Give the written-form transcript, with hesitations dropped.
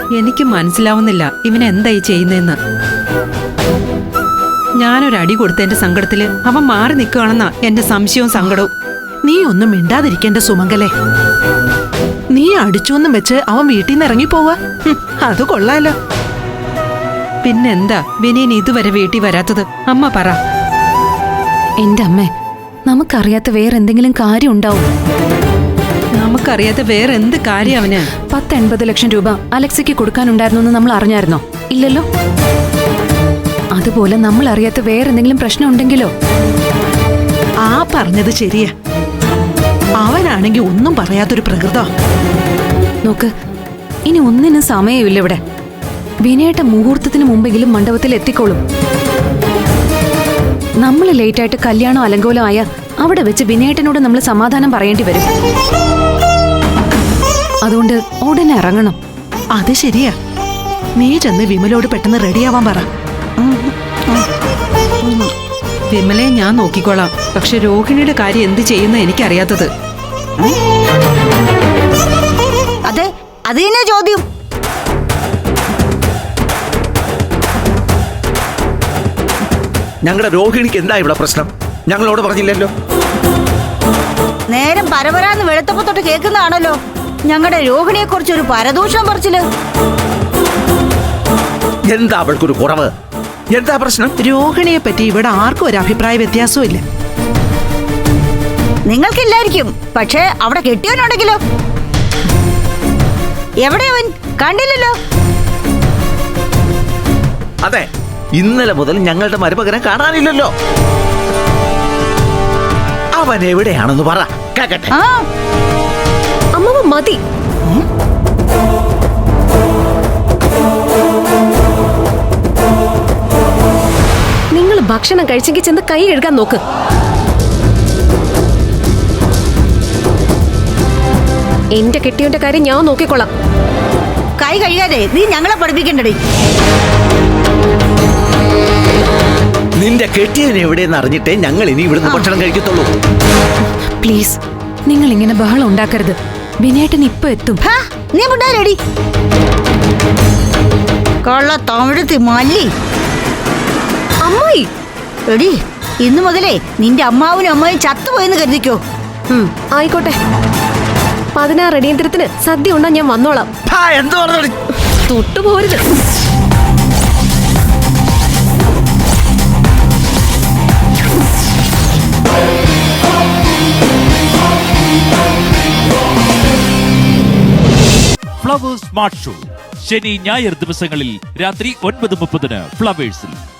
എനിക്ക് മനസ്സിലാവുന്നില്ല ഇവനെന്തായി ചെയ്യുന്നതെന്ന്. ഞാനൊരടി കൊടുത്തതിന്റെ സങ്കടത്തില് അവൻ മാറി നിൽക്കുകയാണെന്നാ എന്റെ സംശയവും സങ്കടവും. നീ ഒന്നും മിണ്ടാതിരിക്കേണ്ട സുമംഗലേ. നീ അടിച്ചോന്നും വെച്ച് അവൻ വീട്ടിൽ നിന്ന് ഇറങ്ങിപ്പോവാ, അത് കൊള്ളാലോ. പിന്നെന്താ വിനീൻ ഇതുവരെ വീട്ടിൽ വരാത്തത്? അമ്മ പറ. എന്റെ അമ്മേ, നമുക്കറിയാത്ത വേറെന്തെങ്കിലും കാര്യം ഉണ്ടാവും. നമുക്കറിയാത്ത വേറെ എന്ത് കാര്യം അവന്? 10-80 ലക്ഷം രൂപ അലക്സയ്ക്ക് കൊടുക്കാനുണ്ടായിരുന്നു നമ്മൾ അറിഞ്ഞായിരുന്നോ? ഇല്ലല്ലോ. അതുപോലെ നമ്മൾ അറിയാത്ത വേറെന്തെങ്കിലും പ്രശ്നം ഉണ്ടെങ്കിലോ? ആ പറഞ്ഞത് ശരിയാ. അവനാണെങ്കി ഒന്നും പറയാത്തൊരു പ്രകൃത. നോക്ക്, ഇനി ഒന്നിനും സമയമില്ല ഇവിടെ. വിനയേട്ട മുഹൂർത്തത്തിന് മുമ്പെങ്കിലും മണ്ഡപത്തിൽ എത്തിക്കോളും. നമ്മൾ ലേറ്റായിട്ട് കല്യാണം അലങ്കോലം ആയ അവിടെ വെച്ച് വിനയേട്ടനോട് നമ്മൾ സമാധാനം പറയേണ്ടി വരും. അതുകൊണ്ട് ഉടനെ ഇറങ്ങണം. അത് ശരിയാ. നീ ചെന്ന് വിമലോട് പെട്ടെന്ന് റെഡിയാവാൻ പറ. വിമലയെ ഞാൻ നോക്കിക്കോളാം. പക്ഷെ രോഹിണിയുടെ കാര്യം എന്ത് ചെയ്യുന്ന എനിക്കറിയാത്തത്. അതെ, അത് തന്നെ ചോദ്യം. ഞങ്ങളുടെ രോഹിണിക്ക് എന്താ ഇവിടെ പ്രശ്നം? ഞങ്ങളോട് പറഞ്ഞില്ലല്ലോ. നേരം പരപരാന്ന് വെളുത്തപ്പോ തൊട്ട് കേൾക്കുന്നതാണല്ലോ ഞങ്ങളുടെ രോഹിണിയെ കുറിച്ച് ഒരു പരദൂഷണം പറച്ചില്. എന്താ അവൾക്കൊരു കുറവ്? എന്താ പ്രശ്നം? രോഹിണിയെ പറ്റി ഇവിടെ ആർക്കും ഒരു അഭിപ്രായ വ്യത്യാസവും ഇല്ല. നിങ്ങൾക്കില്ലായിരിക്കും, പക്ഷേ അവിടെ കെട്ടിയവനുണ്ടെങ്കിലോ? എവിടെയവൻ? കണ്ടില്ലല്ലോ. അതെ, ഇന്നലെ മുതൽ ഞങ്ങളുടെ മരുമകനെ കാണാനില്ലല്ലോ. അവൻ എവിടെയാണെന്ന് പറ, കേക്കട്ടെ. അമ്മ മതി. നിങ്ങൾ ഭക്ഷണം കഴിച്ചെങ്കിൽ ചെന്ന് കൈ കഴുകാൻ നോക്ക്. എന്റെ കെട്ടിയവന്റെ കാര്യം ഞാൻ നോക്കിക്കൊള്ളാം. കൈ കഴുകാതെ നീ ഞങ്ങളെ പഠിപ്പിക്കണ്ടേ? നിന്റെ കെട്ടിയവൻ എവിടെയെന്ന് അറിഞ്ഞിട്ടേ ഞങ്ങൾ ഇനി ഇവിടുന്ന് ഭക്ഷണം കഴിക്കത്തുള്ളൂ. പ്ലീസ്, നിങ്ങൾ ഇങ്ങനെ ബഹളം ഉണ്ടാക്കരുത്. വിനയേട്ടൻ ഇപ്പൊ എത്തും. നീ മുണ്ടാരടി കൊള്ള തമിഴത്തി മല്ലി. അമ്മായി എടി, ഇന്നു മുതലേ നിന്റെ അമ്മാവനും അമ്മയും ചത്തുപോയെന്ന് കരുതിക്കോ. ആയിക്കോട്ടെ. 16 അടിയന്തരത്തിന് സദ്യ ഉണ്ണാൻ ഞാൻ വന്നോളാം. തൊട്ടുപോരുത്. ഫ്ലവേഴ്സ് സ്മാർട്ട് ഷോ ശനി ഞായർ ദിവസങ്ങളിൽ രാത്രി 9:30 ഫ്ലവേഴ്സിൽ.